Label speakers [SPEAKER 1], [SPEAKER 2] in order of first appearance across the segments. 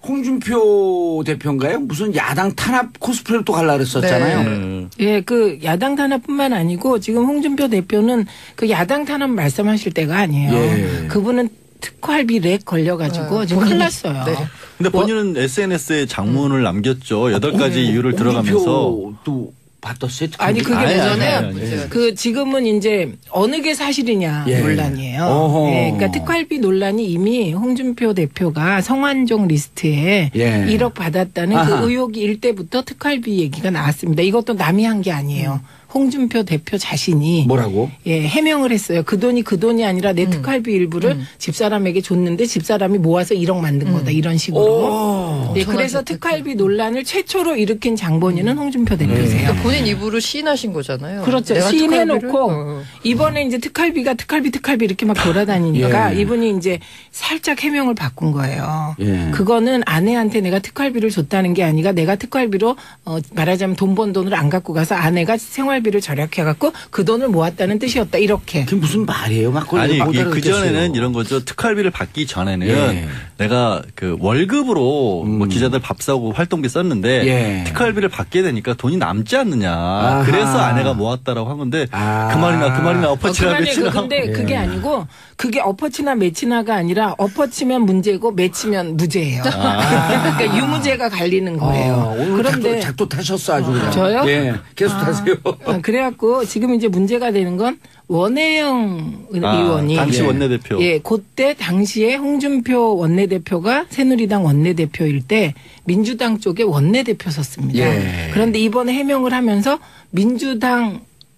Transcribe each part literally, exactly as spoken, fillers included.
[SPEAKER 1] 홍준표 대표인가요? 무슨 야당 탄압 코스프레를 또 갈라 그랬었잖아요.
[SPEAKER 2] 네. 예, 그 야당 탄압뿐만 아니고 지금 홍준표 대표는 그 야당 탄압 말씀하실 때가 아니에요. 예. 그분은 특활비 렉 걸려가지고 네. 지금 큰일 났어요. 네.
[SPEAKER 3] 근데 본인은 뭐, 에스엔에스에 장문을 음. 남겼죠. 여덟 가지 어, 이유를 들어가면서.
[SPEAKER 1] 또 받았어요?
[SPEAKER 2] 아니 그게 뭐냐면 그 지금은 이제 어느 게 사실이냐 예. 논란이에요. 예, 그러니까 특활비 논란이 이미 홍준표 대표가 성완종 리스트에 예. 일억 받았다는 아하. 그 의혹이 일 때부터 특활비 얘기가 나왔습니다. 이것도 남이 한 게 아니에요. 음. 홍준표 대표 자신이
[SPEAKER 1] 뭐라고?
[SPEAKER 2] 예, 해명을 했어요. 그 돈이 그 돈이 아니라 내 음. 특활비 일부를 음. 집사람에게 줬는데 집사람이 모아서 일억 만든 거다. 음. 이런 식으로. 예, 그래서 특활비 논란을 최초로 일으킨 장본인은 음. 홍준표 대표세요.
[SPEAKER 4] 음. 본인 입으로 시인하신 거잖아요.
[SPEAKER 2] 그렇죠. 시인해놓고 어. 이번에 이제 특활비가 특활비 특활비 이렇게 막 돌아다니니까 예. 이분이 이제 살짝 해명을 바꾼 거예요. 예. 그거는 아내한테 내가 특활비를 줬다는 게 아니라 내가 특활비로 어, 말하자면 돈 번 돈을 안 갖고 가서 아내가 생활 비를 절약해갖고 그 돈을 모았다는 뜻이었다. 이렇게.
[SPEAKER 1] 그게 무슨 말이에요? 막
[SPEAKER 3] 아니 그 전에는 이런 거죠. 특활비를 받기 전에는 예. 내가 그 월급으로 음. 뭐 기자들 밥 사고 활동비 썼는데 예. 특활비를 받게 되니까 돈이 남지 않느냐. 아하. 그래서 아내가 모았다라고 한 건데 아. 그 말이나 그 말이나 엎어치나
[SPEAKER 2] 어, 매치나. 근데 예. 그게 아니고 그게 엎어치나 매치나가 아니라 엎어치면 문제고 매치면 무죄예요. 아. 그러니까 유무죄가 갈리는 거예요.
[SPEAKER 1] 아, 오늘 그런데 작도, 작도 타셨어 아주 그냥.
[SPEAKER 2] 저요?
[SPEAKER 1] 예. 계속
[SPEAKER 2] 아.
[SPEAKER 1] 타세요.
[SPEAKER 2] 그래갖고 지금 이제 문제가 되는 건 원혜영 아, 의원이
[SPEAKER 3] 당시 원내대표
[SPEAKER 2] 예, 그때 당시에 홍준표 원내대표가 새누리당 원내대표일 때 민주당 쪽에 원내대표 섰습니다. 예. 그런데 이번에 해명을 하면서 민주당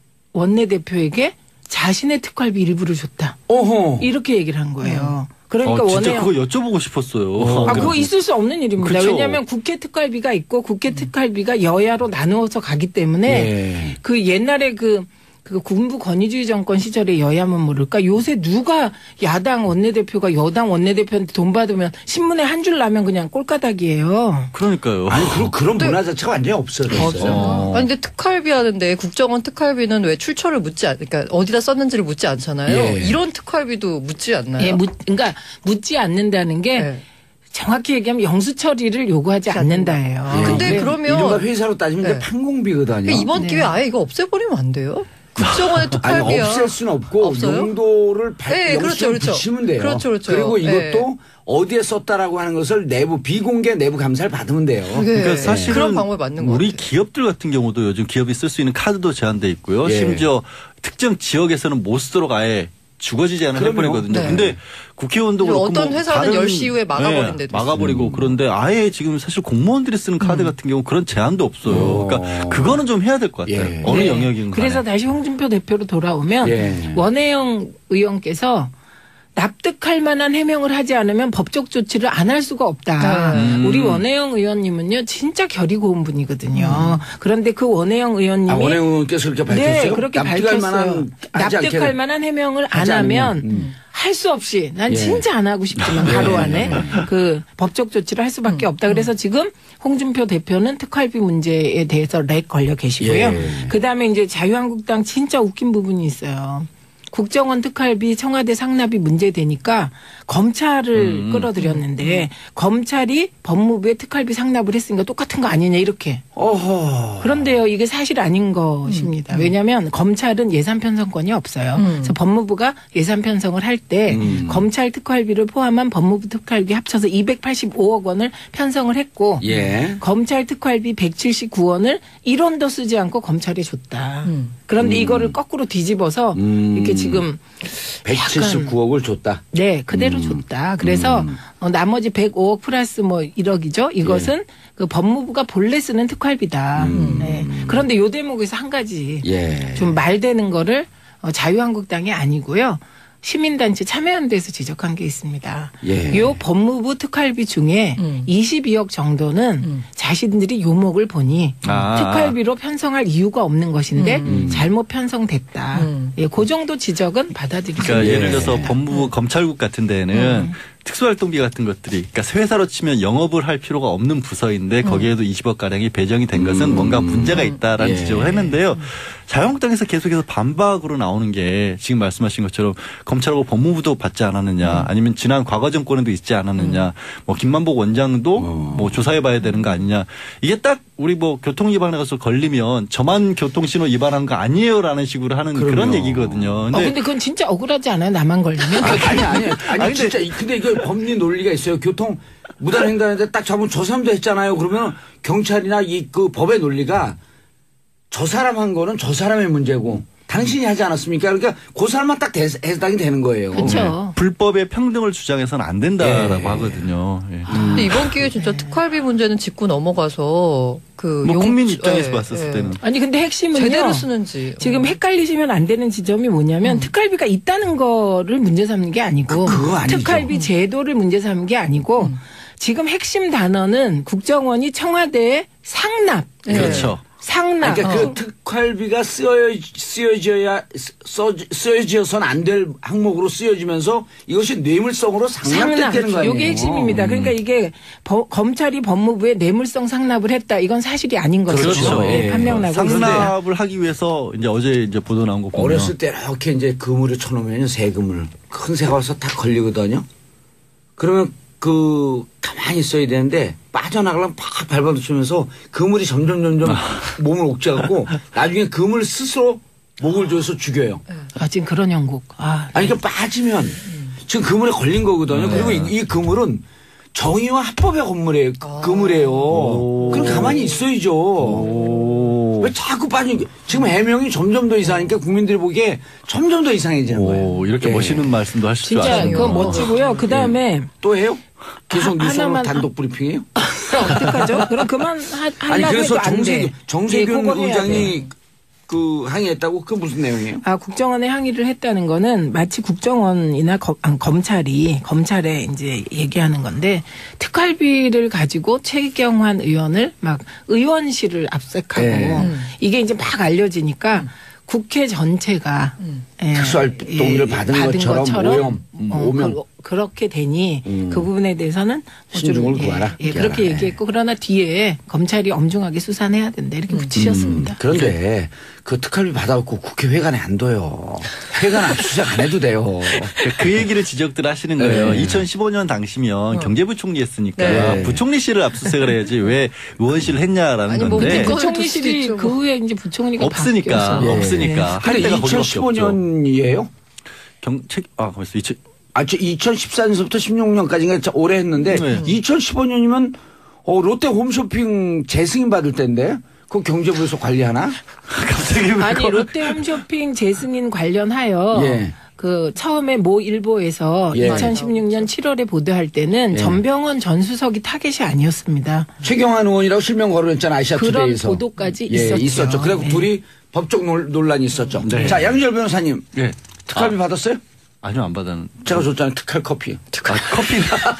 [SPEAKER 2] 원내대표에게 자신의 특활비 일부를 줬다. 어허. 이렇게 얘기를 한 거예요. 그러니까
[SPEAKER 3] 어, 진짜
[SPEAKER 2] 원해요.
[SPEAKER 3] 그거 여쭤보고 싶었어요.
[SPEAKER 2] 아, 그거 있을 수 없는 일입니다. 그렇죠. 왜냐하면 국회 특활비가 있고 국회 특활비가 여야로 나누어서 가기 때문에 예. 그 옛날에 그, 그 군부 권위주의 정권 시절에 여야면 모를까 요새 누가 야당 원내대표가 여당 원내대표한테 돈 받으면 신문에 한 줄 나면 그냥 꼴가닥이에요.
[SPEAKER 3] 그러니까요.
[SPEAKER 1] 아니 그런 그런 문화 자체가 완전히 없어졌어요.
[SPEAKER 4] 없어요. 어. 아니 근데 특활비 하는데 국정원 특활비는 왜 출처를 묻지 않, 그러니까 어디다 썼는지를 묻지 않잖아요. 예. 이런 특활비도 묻지 않나요?
[SPEAKER 2] 예, 묻, 그러니까 묻지 않는다는 게. 예. 정확히 얘기하면 영수 처리를 요구하지 않는다예요.
[SPEAKER 4] 예. 근데 그러면
[SPEAKER 1] 이른바 회사로 따지면
[SPEAKER 4] 네.
[SPEAKER 1] 판공비거든요.
[SPEAKER 4] 그러니까 이번
[SPEAKER 2] 네.
[SPEAKER 4] 기회에 아예 이거 없애버리면 안 돼요? 국정원의 특활비야.
[SPEAKER 1] 아니, 없앨 수는 없고 없어요? 용도를 발,
[SPEAKER 4] 네, 그렇죠, 그렇죠.
[SPEAKER 1] 붙이면 돼요.
[SPEAKER 4] 그렇죠, 그렇죠.
[SPEAKER 1] 그리고 이것도
[SPEAKER 4] 네.
[SPEAKER 1] 어디에 썼다라고 하는 것을 내부 비공개 내부 감사를 받으면 돼요.
[SPEAKER 4] 네. 그러니까 사실은 그런 방법이 맞는 것
[SPEAKER 3] 우리
[SPEAKER 4] 같아요.
[SPEAKER 3] 기업들 같은 경우도 요즘 기업이 쓸 수 있는 카드도 제한돼 있고요. 예. 심지어 특정 지역에서는 못 쓰도록 아예 죽어지지 않은 해버리거든요.
[SPEAKER 4] 네.
[SPEAKER 3] 근데 국회의원도 그렇고
[SPEAKER 4] 어떤
[SPEAKER 3] 뭐
[SPEAKER 4] 회사는 열 시 이후에 막아버린 데도
[SPEAKER 3] 네, 막아버리고
[SPEAKER 4] 있어요.
[SPEAKER 3] 그런데 아예 지금 사실 공무원들이 쓰는 카드
[SPEAKER 4] 음.
[SPEAKER 3] 같은 경우 그런 제한도 없어요. 그러니까 그거는 좀 해야 될 것 같아요.
[SPEAKER 1] 예.
[SPEAKER 3] 어느
[SPEAKER 2] 네.
[SPEAKER 3] 영역인
[SPEAKER 2] 그래서 다시 홍준표 대표로 돌아오면
[SPEAKER 1] 예.
[SPEAKER 2] 원혜영 의원께서 납득할 만한 해명을 하지 않으면 법적 조치를 안 할 수가 없다. 음. 우리 원혜영 의원님은요 진짜 결이 고운 분이거든요. 음. 그런데 그 원혜영 의원님이
[SPEAKER 1] 아, 원혜영 의원께서 그렇게 밝혔어요?
[SPEAKER 2] 네, 그렇게
[SPEAKER 1] 납득할
[SPEAKER 2] 밝혔어요.
[SPEAKER 1] 만한,
[SPEAKER 2] 납득할 만한 해명을 안 하면 음. 할 수 없이 난 예. 진짜 안 하고 싶지만 바로 안에 그 법적 조치를 할 수밖에 음. 없다. 그래서 지금 홍준표 대표는 특활비 문제에 대해서 렉 걸려 계시고요. 예. 그다음에 이제 자유한국당 진짜 웃긴 부분이 있어요. 국정원 특활비 청와대 상납이 문제되니까 검찰을 음. 끌어들였는데 음. 검찰이 법무부에 특활비 상납을 했으니까 똑같은 거 아니냐 이렇게. 어허. 그런데요 이게 사실 아닌 것입니다. 음. 왜냐하면 검찰은 예산 편성권이 없어요. 음. 그래서 법무부가 예산 편성을 할 때 음. 검찰 특활비를 포함한 법무부 특활비 합쳐서 이백팔십오억 원을 편성을 했고 예. 검찰 특활비 백칠십구 원을 일 원도 쓰지 않고 검찰에 줬다. 음. 그런데 음. 이거를 거꾸로 뒤집어서 음. 이렇게 지금
[SPEAKER 1] 백칠십구억을 줬다.
[SPEAKER 2] 네, 그대로 음. 줬다. 그래서 음. 어, 나머지 백오억 플러스 뭐 일억이죠. 이것은 예. 그 법무부가 본래 쓰는 특활비다. 음. 네. 그런데 요 대목에서 한 가지 예. 좀 말되는 거를 어, 자유한국당이 아니고요. 시민단체 참여연대에서 지적한 게 있습니다. 이 예. 법무부 특활비 중에 음. 이십이억 정도는 음. 자신들이 요목을 보니 아. 특활비로 편성할 이유가 없는 것인데 음. 잘못 편성됐다. 음. 예, 그 정도 지적은 받아들이죠.
[SPEAKER 3] 그러니까 예를 들어서 법무부 검찰국 같은 데는 음. 특수활동비 같은 것들이 그러니까 회사로 치면 영업을 할 필요가 없는 부서인데 거기에도 음. 이십억 가량이 배정이 된 것은 음. 뭔가 문제가 있다라는 예. 지적을 했는데요. 자유한국당에서 계속해서 반박으로 나오는 게 지금 말씀하신 것처럼 검찰하고 법무부도 받지 않았느냐, 음. 아니면 지난 과거 정권에도 있지 않았느냐, 음. 뭐 김만복 원장도 어. 뭐 조사해봐야 되는 거 아니냐. 이게 딱 우리 뭐 교통 위반에 가서 걸리면 저만 교통신호 위반한 거 아니에요라는 식으로 하는 그럼요. 그런 얘기거든요.
[SPEAKER 2] 근데, 어, 근데 그건 진짜 억울하지 않아요? 나만 걸리면?
[SPEAKER 1] 아니 아니 아니, 아니, 아니 진짜 근데 이거 법리 논리가 있어요. 교통 무단횡단인데 딱 잡으면 저 사람도 했잖아요. 그러면 경찰이나 이 그 법의 논리가 저 사람 한 거는 저 사람의 문제고 당신이 하지 않았습니까? 그러니까 그 사람만 딱 해당이 되는 거예요.
[SPEAKER 2] 그렇죠.
[SPEAKER 3] 네. 불법의 평등을 주장해서는 안 된다라고
[SPEAKER 1] 예.
[SPEAKER 3] 하거든요. 예.
[SPEAKER 4] 근데 이번 기회에 진짜 예. 특활비 문제는 짚고 넘어가서 그
[SPEAKER 3] 뭐
[SPEAKER 4] 용...
[SPEAKER 3] 국민 입장에서
[SPEAKER 4] 예.
[SPEAKER 3] 봤었을
[SPEAKER 4] 예.
[SPEAKER 3] 때는
[SPEAKER 2] 아니 근데 핵심은요.
[SPEAKER 4] 제대로 쓰는지
[SPEAKER 2] 지금 헷갈리시면 안 되는 지점이 뭐냐면 음. 특활비가 있다는 거를 문제 삼는 게 아니고
[SPEAKER 1] 그,
[SPEAKER 2] 특활비 제도를 문제 삼는 게 아니고 음. 지금 핵심 단어는 국정원이 청와대에 상납.
[SPEAKER 3] 그렇죠.
[SPEAKER 2] 상납.
[SPEAKER 1] 그러니까
[SPEAKER 2] 어.
[SPEAKER 1] 그 특활비가 쓰여, 쓰여져야, 써, 쓰여져서는 안 될 항목으로 쓰여지면서 이것이 뇌물성으로 상납되는 거예요.
[SPEAKER 2] 이게 핵심입니다. 그러니까 이게 버, 검찰이 법무부에 뇌물성 상납을 했다. 이건 사실이 아닌 거죠.
[SPEAKER 3] 그렇죠.
[SPEAKER 2] 예, 판명나고.
[SPEAKER 3] 상납을 하기 위해서 이제 어제 이제 보도 나온 거 보면
[SPEAKER 1] 어렸을 때 이렇게 이제 그물을 쳐놓으면 세금을 큰 새가 와서 딱 걸리거든요. 그러면 그 가만히 있어야 되는데 빠져나가려면 팍 밟아붙이면서 그물이 점점 점점 몸을 옥죄갖고 나중에 그물 스스로 목을 조여서 죽여요.
[SPEAKER 2] 아 지금 그런 형국. 아,
[SPEAKER 1] 아니 그러니까 빠지면 지금 그물에 걸린 거거든요. 네. 그리고 이, 이 그물은 정의와 합법의 건물이에요.
[SPEAKER 4] 아.
[SPEAKER 1] 그물이에요. 그럼 가만히 있어야죠.
[SPEAKER 3] 오.
[SPEAKER 1] 왜 자꾸 빠지는 게 지금 해명이 점점 더 이상하니까 국민들이 보기에 점점 더 이상해지는
[SPEAKER 3] 오,
[SPEAKER 1] 거예요.
[SPEAKER 3] 이렇게
[SPEAKER 1] 예.
[SPEAKER 3] 멋있는 말씀도 하실 줄 아시네요.
[SPEAKER 2] 진짜 그건 멋지고요. 그 다음에
[SPEAKER 1] 예. 또 해요? 계속
[SPEAKER 2] 하,
[SPEAKER 1] 뉴스로 단독 브리핑해요?
[SPEAKER 2] 어떡하죠? 그럼 그만 하, 하려고
[SPEAKER 1] 아니 그래서
[SPEAKER 2] 해도 안
[SPEAKER 1] 정세,
[SPEAKER 2] 돼.
[SPEAKER 1] 정세균
[SPEAKER 2] 예,
[SPEAKER 1] 의장이 그 항의했다고 그 무슨 내용이에요?
[SPEAKER 2] 아 국정원에 항의를 했다는 거는 마치 국정원이나 검, 아니, 검찰이 검찰에 이제 얘기하는 건데 특활비를 가지고 최경환 의원을 막 의원실을 압색하고
[SPEAKER 1] 네.
[SPEAKER 2] 이게 이제 막 알려지니까 음. 국회 전체가
[SPEAKER 4] 음.
[SPEAKER 2] 예,
[SPEAKER 1] 특수활동비를
[SPEAKER 2] 예,
[SPEAKER 1] 받은,
[SPEAKER 2] 받은
[SPEAKER 1] 것처럼,
[SPEAKER 2] 것처럼
[SPEAKER 1] 오염, 음,
[SPEAKER 2] 어,
[SPEAKER 1] 오명.
[SPEAKER 2] 그, 그렇게 되니
[SPEAKER 1] 음.
[SPEAKER 2] 그 부분에 대해서는
[SPEAKER 1] 신중을
[SPEAKER 2] 예,
[SPEAKER 1] 구하라.
[SPEAKER 2] 예, 그렇게
[SPEAKER 1] 예.
[SPEAKER 2] 얘기했고 그러나 뒤에 검찰이 엄중하게 수사해야 된다 이렇게 붙이셨습니다.
[SPEAKER 1] 음, 그런데 그 특활비 받아갖고 국회 회관에 안 둬요. 회관 압수수색 안 해도 돼요.
[SPEAKER 3] 그 얘기를 지적들 하시는 거예요.
[SPEAKER 1] 네.
[SPEAKER 3] 이천십오 년 당시면
[SPEAKER 4] 어.
[SPEAKER 3] 경제부총리 했으니까
[SPEAKER 1] 네.
[SPEAKER 3] 부총리실을 압수수색을 해야지 왜 의원실을 했냐라는
[SPEAKER 4] 아니, 뭐
[SPEAKER 3] 건데
[SPEAKER 2] 부총리실이 그 후에 이제 부총리가
[SPEAKER 3] 없으니까
[SPEAKER 2] 바뀌어서.
[SPEAKER 3] 없으니까 할
[SPEAKER 1] 근데
[SPEAKER 3] 때가 거기밖에
[SPEAKER 1] 이천십오
[SPEAKER 3] 없죠.
[SPEAKER 1] 년이에요?
[SPEAKER 3] 경책 아 벌써 이천
[SPEAKER 1] 아, 저 이천십사 년서부터 십육 년까지인가 오래 했는데
[SPEAKER 3] 네.
[SPEAKER 1] 이천십오 년이면 어, 롯데 홈쇼핑 재승인 받을 때인데 그거 경제부에서 관리하나?
[SPEAKER 3] 갑자기
[SPEAKER 2] 아니 롯데홈쇼핑 재승인 관련하여
[SPEAKER 1] 예.
[SPEAKER 2] 그 처음에 모 일보에서
[SPEAKER 1] 예.
[SPEAKER 2] 이천십육 년 칠월에 보도할 때는
[SPEAKER 1] 예.
[SPEAKER 2] 전병헌 전 수석이 타겟이 아니었습니다.
[SPEAKER 1] 최경환 의원이라고 실명 거론했잖아
[SPEAKER 2] 그런
[SPEAKER 1] 아시아투데이에서.
[SPEAKER 2] 보도까지
[SPEAKER 1] 예,
[SPEAKER 2] 있었죠.
[SPEAKER 1] 있었죠. 그리고
[SPEAKER 2] 네.
[SPEAKER 1] 둘이 법적 논- 논란이 있었죠.
[SPEAKER 3] 네.
[SPEAKER 1] 자 양지열 변호사님
[SPEAKER 3] 예.
[SPEAKER 1] 특활비
[SPEAKER 3] 아,
[SPEAKER 1] 받았어요?
[SPEAKER 3] 아니요 안 받았는.
[SPEAKER 1] 제가 줬잖아요 특활 커피.
[SPEAKER 3] 아, 커피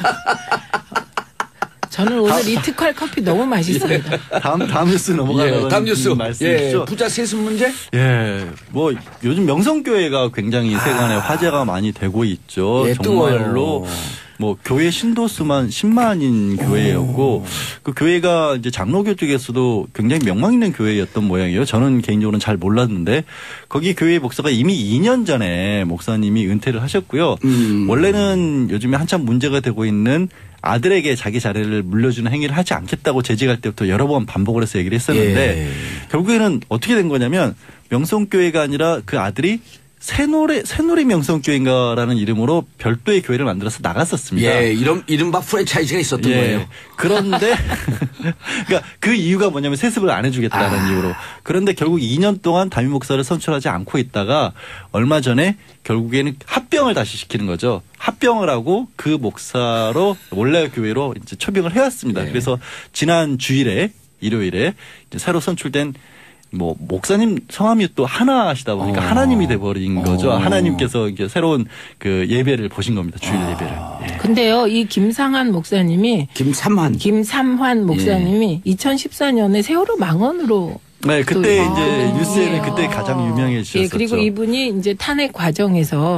[SPEAKER 2] 저는 오늘 이 특활 커피 너무 맛있습니다.
[SPEAKER 3] 다음 다음 뉴스 넘어가는
[SPEAKER 1] 예, 다음 뉴스
[SPEAKER 3] 말씀이시죠?
[SPEAKER 1] 예, 부자 세습 문제?
[SPEAKER 3] 예, 뭐 요즘 명성교회가 굉장히 세간에
[SPEAKER 1] 아.
[SPEAKER 3] 화제가 많이 되고 있죠.
[SPEAKER 1] 예,
[SPEAKER 3] 정말로
[SPEAKER 1] 뜨거워요.
[SPEAKER 3] 뭐 교회 신도수만 십만인 교회였고 그 교회가 이제 장로교 쪽에서도 굉장히 명망 있는 교회였던 모양이에요. 저는 개인적으로는 잘 몰랐는데 거기 교회 목사가 이미 이 년 전에 목사님이 은퇴를 하셨고요.
[SPEAKER 1] 음.
[SPEAKER 3] 원래는 요즘에 한참 문제가 되고 있는 아들에게 자기 자리를 물려주는 행위를 하지 않겠다고 재직할 때부터 여러 번 반복을 해서 얘기를 했었는데
[SPEAKER 1] 예.
[SPEAKER 3] 결국에는 어떻게 된 거냐면 명성교회가 아니라 그 아들이 새노래 새노래 명성교회인가라는 이름으로 별도의 교회를 만들어서 나갔었습니다.
[SPEAKER 1] 예, 이런 이른바 프랜차이즈가 있었던
[SPEAKER 3] 예.
[SPEAKER 1] 거예요.
[SPEAKER 3] 그런데 그러니까 그 이유가 뭐냐면 세습을 안 해주겠다는
[SPEAKER 1] 아.
[SPEAKER 3] 이유로. 그런데 결국 이 년 동안 담임 목사를 선출하지 않고 있다가 얼마 전에 결국에는 합병을 다시 시키는 거죠. 합병을 하고 그 목사로 원래 교회로 이제 초빙을 해왔습니다.
[SPEAKER 1] 예.
[SPEAKER 3] 그래서 지난 주일에 일요일에 이제 새로 선출된 뭐 목사님 성함이 또 하나시다 보니까
[SPEAKER 1] 어.
[SPEAKER 3] 하나님이 돼버린 거죠.
[SPEAKER 1] 어.
[SPEAKER 3] 하나님께서 이제 새로운 그 예배를 보신 겁니다. 주일
[SPEAKER 1] 아.
[SPEAKER 3] 예배를. 예.
[SPEAKER 2] 근데요, 이 김상환 목사님이
[SPEAKER 1] 김삼환.
[SPEAKER 2] 김삼환 목사님이 이천십사 년에 세월호 망언으로
[SPEAKER 3] 네, 그때
[SPEAKER 2] 또
[SPEAKER 3] 이제
[SPEAKER 2] 아,
[SPEAKER 3] 뉴스에는
[SPEAKER 2] 예.
[SPEAKER 3] 그때 가장 유명해지셨었죠.
[SPEAKER 2] 예, 그리고 이분이 이제 탄핵 과정에서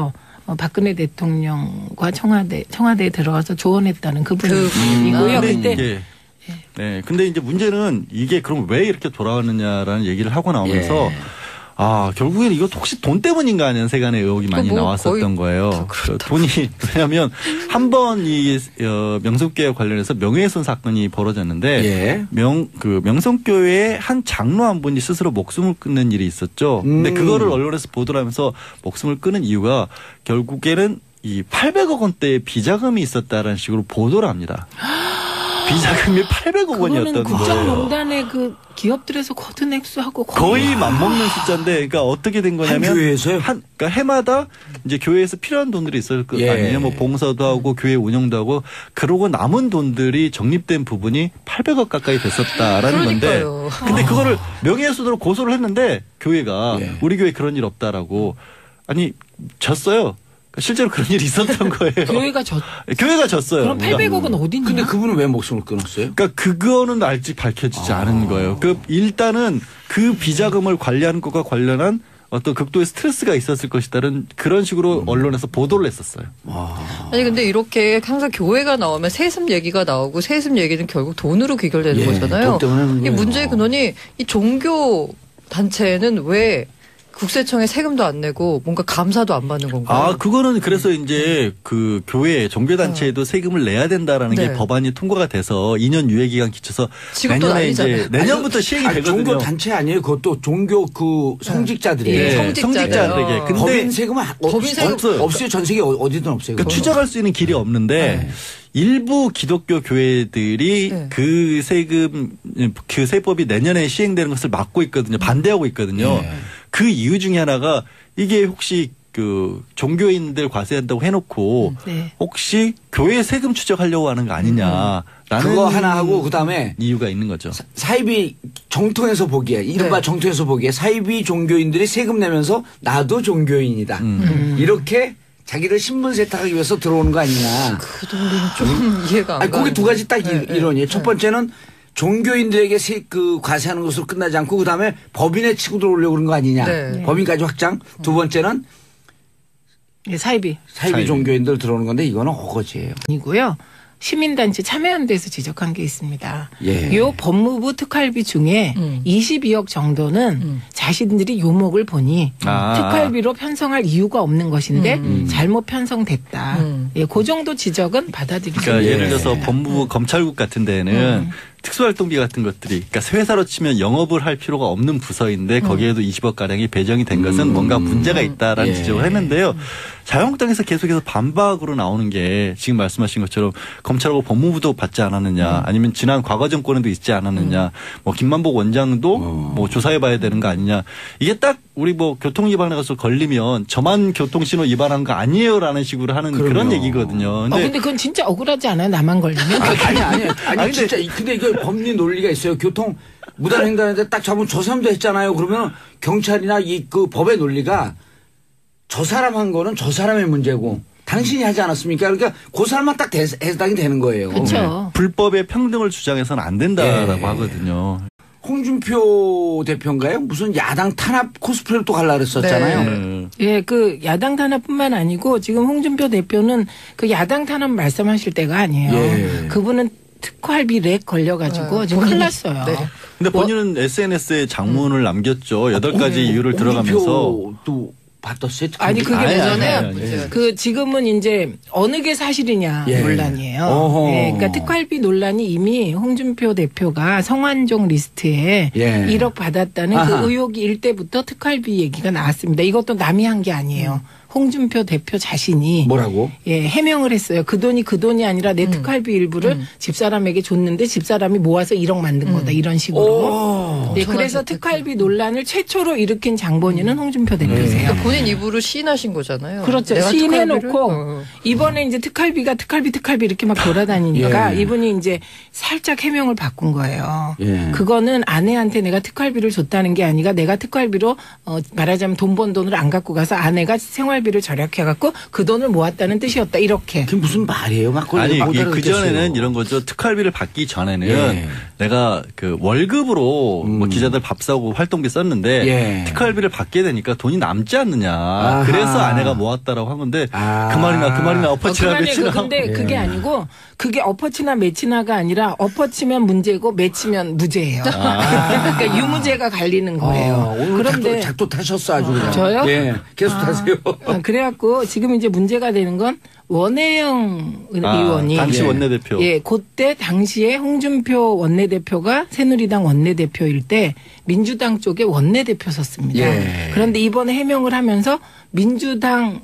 [SPEAKER 2] 어, 박근혜 대통령과 청와대 청와대에 들어가서 조언했다는 그분이고요.
[SPEAKER 3] 그,
[SPEAKER 2] 그때
[SPEAKER 3] 예. 네. 근데 이제 문제는 이게 그럼 왜 이렇게 돌아왔느냐라는 얘기를 하고 나오면서 예. 아, 결국에는 이거 혹시 돈 때문인가 하는 세간의 의혹이 많이 뭐 나왔었던 거예요. 그 돈이, 왜냐하면 한 번 이 어, 명성교회 관련해서 명예훼손 사건이 벌어졌는데 예. 명, 그 명성교회의 한 장로 한 분이 스스로 목숨을 끊는 일이 있었죠. 음. 근데 그거를 언론에서 보도를 하면서 목숨을 끊은 이유가 결국에는 이 팔백억 원대의 비자금이 있었다라는 식으로 보도를 합니다. 비자금이 팔백억 원이었던 거예요.
[SPEAKER 2] 국정농단의 그 기업들에서 거둔 액수하고
[SPEAKER 3] 거의, 거의 맞먹는 숫자인데, 그러니까 어떻게 된 거냐면
[SPEAKER 1] 한 교회에서요?
[SPEAKER 3] 한 그러니까 해마다 이제 교회에서 필요한 돈들이 있을 거 예. 아니에요. 뭐 봉사도 하고 교회 운영도 하고 그러고 남은 돈들이 적립된 부분이 팔백억 가까이 됐었다라는 건데, 근데 그거를 명예훼손으로 고소를 했는데 교회가 예. 우리 교회 그런 일 없다라고 아니 졌어요. 실제로 그런 일이 있었던 거예요.
[SPEAKER 2] 교회가 졌.
[SPEAKER 3] 교회가 졌어요.
[SPEAKER 2] 그럼 팔백억은 어딨냐?
[SPEAKER 1] 근데 그분은 왜 목숨을 끊었어요?
[SPEAKER 3] 그러니까 그거는 아직 밝혀지지 아. 않은 거예요. 그 일단은 그 비자금을 관리하는 것과 관련한 어떤 극도의 스트레스가 있었을 것이다는 그런 식으로 음. 언론에서 보도를 했었어요.
[SPEAKER 4] 아. 아니 근데 이렇게 항상 교회가 나오면 세습 얘기가 나오고 세습 얘기는 결국 돈으로 귀결되는
[SPEAKER 1] 예,
[SPEAKER 4] 거잖아요.
[SPEAKER 1] 돈 때문에
[SPEAKER 4] 이 문제의 근원이 이 종교 단체는 왜 국세청에 세금도 안 내고 뭔가 감사도 안 받는 건가요?
[SPEAKER 3] 아, 그거는 그래서 이제 그 교회, 종교단체에도 세금을 내야 된다라는 네. 게 법안이 통과가 돼서 이 년 유예기간 기쳐서 내년에 이제 내년부터 시행이
[SPEAKER 1] 아니,
[SPEAKER 3] 되거든요.
[SPEAKER 1] 종교단체 아니에요? 그것도 종교 그 성직자들이에요.
[SPEAKER 4] 네. 성직자들에게.
[SPEAKER 1] 근데 법인 세금은 법인 세금 없어요. 없어요. 전 세계 어디든 없어요.
[SPEAKER 3] 그러니까 추적할 수 있는 길이 없는데 네. 일부 기독교 교회들이 네. 그 세금, 그 세법이 내년에 시행되는 것을 막고 있거든요. 반대하고 있거든요. 네. 그 이유 중에 하나가 이게 혹시 그 종교인들 과세한다고 해놓고 네. 혹시 교회 세금 추적하려고 하는 거 아니냐라는
[SPEAKER 1] 그거 하나 하고 그다음에
[SPEAKER 3] 이유가 있는 거죠.
[SPEAKER 1] 사이비 정통에서 보기에 이른바 네. 정통에서 보기에 사이비 종교인들이 세금 내면서 나도 종교인이다. 음. 이렇게 자기를 신분 세탁하기 위해서 들어오는 거 아니냐.
[SPEAKER 4] 그 논리는 좀 이해가 안
[SPEAKER 1] 가요. 거기 두 가지 딱
[SPEAKER 4] 네,
[SPEAKER 1] 이론이에요.
[SPEAKER 4] 네.
[SPEAKER 1] 첫 번째는 종교인들에게 세, 그 과세하는 것으로 끝나지 않고 그다음에 법인에 치고 들어오려고 그런 거 아니냐. 네. 법인까지 확장. 두 번째는
[SPEAKER 2] 네, 사이비.
[SPEAKER 1] 사이비. 사이비 종교인들 들어오는 건데 이거는 어거지예요.
[SPEAKER 2] 아니고요. 시민단체 참여연대에서 지적한 게 있습니다.
[SPEAKER 1] 예.
[SPEAKER 2] 요 법무부 특활비 중에 음. 이십이억 정도는 음. 자신들이 요목을 보니 아. 특활비로 편성할 이유가 없는 것인데 음. 잘못 편성됐다. 음. 예, 그 정도 지적은 받아들이죠.
[SPEAKER 3] 그러니까 예를 들어서 법무부 음. 검찰국 같은 데는 음. 특수활동비 같은 것들이 그러니까 회사로 치면 영업을 할 필요가 없는 부서인데 거기에도 음. 이십억 가량이 배정이 된 것은 음. 뭔가 문제가 있다라는 예. 지적을 했는데요. 자유한국당에서 계속해서 반박으로 나오는 게 지금 말씀하신 것처럼 검찰하고 법무부도 받지 않았느냐, 음. 아니면 지난 과거 정권에도 있지 않았느냐, 음. 뭐 김만복 원장도 어. 뭐 조사해봐야 되는 거 아니냐. 이게 딱 우리 뭐 교통 위반에 가서 걸리면 저만 교통신호 위반한 거 아니에요라는 식으로 하는 그럼요. 그런 얘기거든요.
[SPEAKER 2] 근데, 어, 근데 그건 진짜 억울하지 않아요? 나만 걸리면?
[SPEAKER 1] 아니 아니 아니, 아니, 아니 진짜 근데 이거 법리 논리가 있어요. 교통 무단횡단인데 딱 잡으면 저 사람도 했잖아요. 그러면 경찰이나 이 그 법의 논리가 저 사람 한 거는 저 사람의 문제고 당신이 하지 않았습니까? 그러니까 그 사람만 딱 대, 해당이 되는 거예요.
[SPEAKER 2] 그렇죠.
[SPEAKER 3] 불법의 평등을 주장해서는 안 된다라고
[SPEAKER 1] 예.
[SPEAKER 3] 하거든요.
[SPEAKER 1] 홍준표 대표인가요? 무슨 야당 탄압 코스프레를 또 갈라 그랬었잖아요.
[SPEAKER 2] 네. 예, 그 야당 탄압뿐만 아니고 지금 홍준표 대표는 그 야당 탄압 말씀하실 때가 아니에요. 예. 그분은 특활비 렉 걸려가지고 네. 지금 큰일 났어요.
[SPEAKER 3] 네. 근데 본인은 뭐, 에스엔에스에 장문을 음. 남겼죠. 여덟 가지 어, 이유를 들어가면서.
[SPEAKER 1] 또 받았어요?
[SPEAKER 2] 아니 그게 뭐냐면 그 지금은 이제 어느 게 사실이냐 예. 논란이에요. 예. 그러니까 특활비 논란이 이미 홍준표 대표가 성완종 리스트에 예. 일억 받았다는 아하. 그 의혹이 일 때부터 특활비 얘기가 나왔습니다. 이것도 남이 한 게 아니에요. 음. 홍준표 대표 자신이
[SPEAKER 1] 뭐라고?
[SPEAKER 2] 예, 해명을 했어요. 그 돈이 그 돈이 아니라 내 음. 특활비 일부를 음. 집사람에게 줬는데 집사람이 모아서 일억 만든 음. 거다. 이런 식으로. 네, 그래서 특활비 논란을 최초로 일으킨 장본인은 음. 홍준표 대표세요.
[SPEAKER 4] 그러니까 본인 입으로 시인하신 거잖아요.
[SPEAKER 2] 그렇죠. 시인해놓고 어. 이번에 이제 특활비가 특활비 특활비 이렇게 막 돌아다니니까 예. 이분이 이제 살짝 해명을 바꾼 거예요. 예. 그거는 아내한테 내가 특활비를 줬다는 게 아니라 내가 특활비로 어, 말하자면 돈 번 돈을 안 갖고 가서 아내가 생활 특활비를 절약해갖고 그 돈을 모았다는 뜻이었다 이렇게.
[SPEAKER 1] 그게 무슨 말이에요? 막
[SPEAKER 3] 아니 그 전에는 이런 거죠. 특활비를 받기 전에는 예. 내가 그 월급으로 음. 뭐 기자들 밥 사고 활동비 썼는데 예. 특활비를 받게 되니까 돈이 남지 않느냐. 아하. 그래서 아내가 모았다라고 한 건데 아. 그 말이나 그 말이나 엎어치나
[SPEAKER 2] 어,
[SPEAKER 3] 매치나.
[SPEAKER 2] 근데 예. 그게 아니고 그게 엎어치나 매치나가 아니라 엎어치면 문제고 매치면 무죄예요. 아. 그러니까 유무죄가 갈리는 거예요.
[SPEAKER 1] 아, 오늘 그런데 작도 타셨어 아주 그냥.
[SPEAKER 2] 저요?
[SPEAKER 1] 예, 계속
[SPEAKER 2] 아.
[SPEAKER 1] 타세요.
[SPEAKER 2] 아, 그래갖고 지금 이제 문제가 되는 건 원혜영 아, 의원이
[SPEAKER 3] 당시 원내대표.
[SPEAKER 2] 예, 그때 당시에 홍준표 원내대표가 새누리당 원내대표일 때 민주당 쪽에 원내대표 섰습니다. 예. 그런데 이번에 해명을 하면서 민주당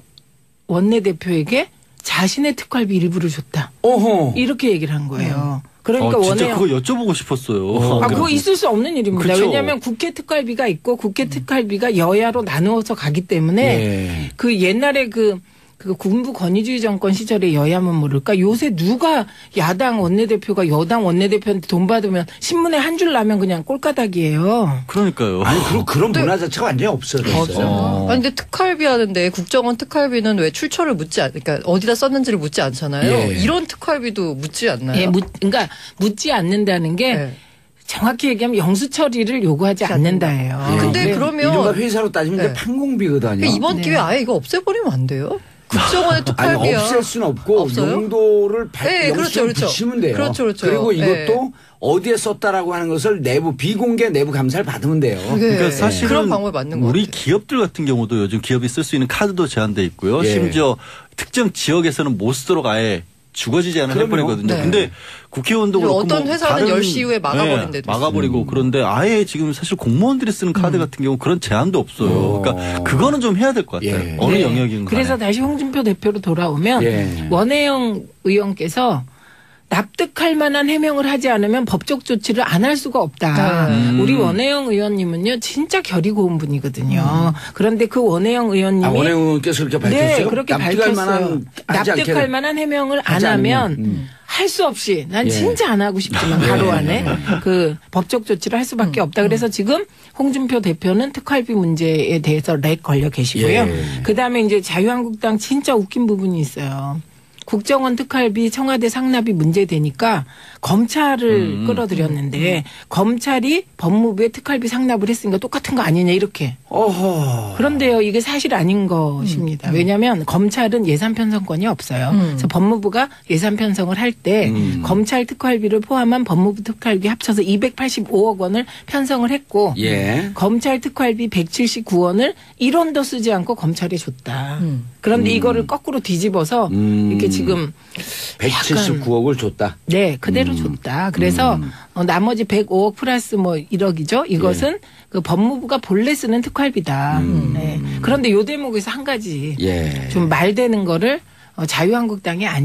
[SPEAKER 2] 원내대표에게 자신의 특활비 일부를 줬다.
[SPEAKER 1] 어허.
[SPEAKER 2] 이렇게 얘기를 한 거예요. 음. 그러니까
[SPEAKER 3] 어, 진짜
[SPEAKER 2] 원해요.
[SPEAKER 3] 그거 여쭤보고 싶었어요.
[SPEAKER 2] 아, 그거 있을 수 없는 일입니다.
[SPEAKER 3] 그렇죠.
[SPEAKER 2] 왜냐하면 국회 특활비가 있고 국회 특활비가 여야로 나누어서 가기 때문에 예. 그 옛날에 그 그 군부 권위주의 정권 시절에 여야면 모를까 요새 누가 야당 원내대표가 여당 원내대표한테 돈 받으면 신문에 한 줄 나면 그냥 꼴가닥이에요.
[SPEAKER 3] 그러니까요.
[SPEAKER 1] 아니 그런 그런 문화 자체가 완전히 없어졌어요.
[SPEAKER 4] 없어요. 아니 근데 특활비 하는데 국정원 특활비는 왜 출처를 묻지 않, 그러니까 어디다 썼는지를 묻지 않잖아요.
[SPEAKER 1] 예.
[SPEAKER 4] 이런 특활비도 묻지 않나요?
[SPEAKER 2] 예, 묻, 그러니까 묻지 않는다는 게. 예. 정확히 얘기하면 영수 처리를 요구하지 않는다예요.
[SPEAKER 4] 예. 근데
[SPEAKER 1] 네.
[SPEAKER 4] 그러면
[SPEAKER 1] 이른바 회사로 따지면 네. 판공비거든요.
[SPEAKER 4] 그러니까 이번
[SPEAKER 2] 네.
[SPEAKER 4] 기회에 아예 이거 없애버리면 안 돼요? 국정원의 특활비야.
[SPEAKER 1] 아니, 없앨 수는 없고
[SPEAKER 4] 없어요?
[SPEAKER 1] 용도를 발,
[SPEAKER 4] 네, 그렇죠, 그렇죠.
[SPEAKER 1] 붙이면 돼요.
[SPEAKER 4] 그렇죠, 그렇죠.
[SPEAKER 1] 그리고 이것도
[SPEAKER 4] 네.
[SPEAKER 1] 어디에 썼다라고 하는 것을 내부 비공개 내부 감사를 받으면 돼요.
[SPEAKER 4] 네.
[SPEAKER 3] 그러니까 사실은
[SPEAKER 4] 그런 방법이 맞는 것
[SPEAKER 3] 우리
[SPEAKER 4] 같아요.
[SPEAKER 3] 기업들 같은 경우도 요즘 기업이 쓸 수 있는 카드도 제한돼 있고요.
[SPEAKER 1] 예.
[SPEAKER 3] 심지어 특정 지역에서는 못 쓰도록 아예 주거지 제한을
[SPEAKER 1] 그럼요.
[SPEAKER 3] 해버리거든요.
[SPEAKER 4] 네.
[SPEAKER 3] 근데 국회의원도 그렇고
[SPEAKER 4] 어떤
[SPEAKER 3] 뭐
[SPEAKER 4] 회사는
[SPEAKER 3] 다른
[SPEAKER 4] 열 시 이후에 막아버린 데도
[SPEAKER 3] 네, 막아버리고
[SPEAKER 1] 음.
[SPEAKER 3] 그런데 아예 지금 사실 공무원들이 쓰는 카드
[SPEAKER 2] 음.
[SPEAKER 3] 같은 경우 그런 제한도 없어요.
[SPEAKER 1] 오.
[SPEAKER 3] 그러니까 그거는 좀 해야 될 것 같아요.
[SPEAKER 1] 예.
[SPEAKER 3] 어느
[SPEAKER 2] 네.
[SPEAKER 3] 영역인
[SPEAKER 2] 그래서
[SPEAKER 3] 간에.
[SPEAKER 2] 다시 홍준표 대표로 돌아오면
[SPEAKER 1] 예.
[SPEAKER 2] 원혜영 의원께서 납득할 만한 해명을 하지 않으면 법적 조치를 안 할 수가 없다.
[SPEAKER 3] 음.
[SPEAKER 2] 우리 원혜영 의원님은요 진짜 결이 고운 분이거든요. 음. 그런데 그 원혜영 의원님이
[SPEAKER 1] 아, 원혜영 의원께서 그렇게 밝혔어요?
[SPEAKER 2] 네, 그렇게
[SPEAKER 1] 납득할
[SPEAKER 2] 밝혔어요.
[SPEAKER 1] 만한,
[SPEAKER 2] 납득할 만한 해명을 안 하면
[SPEAKER 1] 음.
[SPEAKER 2] 할 수 없이 난
[SPEAKER 1] 예.
[SPEAKER 2] 진짜 안 하고 싶지만 하루 안에 그 법적 조치를 할 수밖에 없다. 그래서 지금 홍준표 대표는 특활비 문제에 대해서 렉 걸려 계시고요.
[SPEAKER 1] 예.
[SPEAKER 2] 그다음에 이제 자유한국당 진짜 웃긴 부분이 있어요. 국정원 특활비 청와대 상납이 문제되니까 검찰을
[SPEAKER 3] 음.
[SPEAKER 2] 끌어들였는데 검찰이 법무부에 특활비 상납을 했으니까 똑같은 거 아니냐 이렇게.
[SPEAKER 1] 어허.
[SPEAKER 2] 그런데요 이게 사실 아닌 것입니다.
[SPEAKER 4] 음.
[SPEAKER 2] 왜냐하면 검찰은 예산 편성권이 없어요.
[SPEAKER 4] 음.
[SPEAKER 2] 그래서 법무부가 예산 편성을 할 때
[SPEAKER 1] 음.
[SPEAKER 2] 검찰 특활비를 포함한 법무부 특활비 합쳐서 이백팔십오억 원을 편성을 했고
[SPEAKER 1] 예.
[SPEAKER 2] 검찰 특활비 백칠십구 원을 일 원도 쓰지 않고 검찰에 줬다.
[SPEAKER 4] 음.
[SPEAKER 2] 그런데
[SPEAKER 1] 음.
[SPEAKER 2] 이거를 거꾸로 뒤집어서
[SPEAKER 1] 음.
[SPEAKER 2] 이렇게 지금
[SPEAKER 1] 백칠십구억을 줬다.
[SPEAKER 2] 네 그대로
[SPEAKER 1] 음.
[SPEAKER 2] 줬다. 그래서
[SPEAKER 1] 음.
[SPEAKER 2] 어, 나머지 백오억 플러스 뭐 일억이죠. 이것은
[SPEAKER 1] 예.
[SPEAKER 2] 그 법무부가 본래 쓰는 특활비다.
[SPEAKER 1] 음.
[SPEAKER 2] 네. 그런데 요 대목에서 한 가지
[SPEAKER 1] 예.
[SPEAKER 2] 좀 말되는 거를 어, 자유한국당이 아니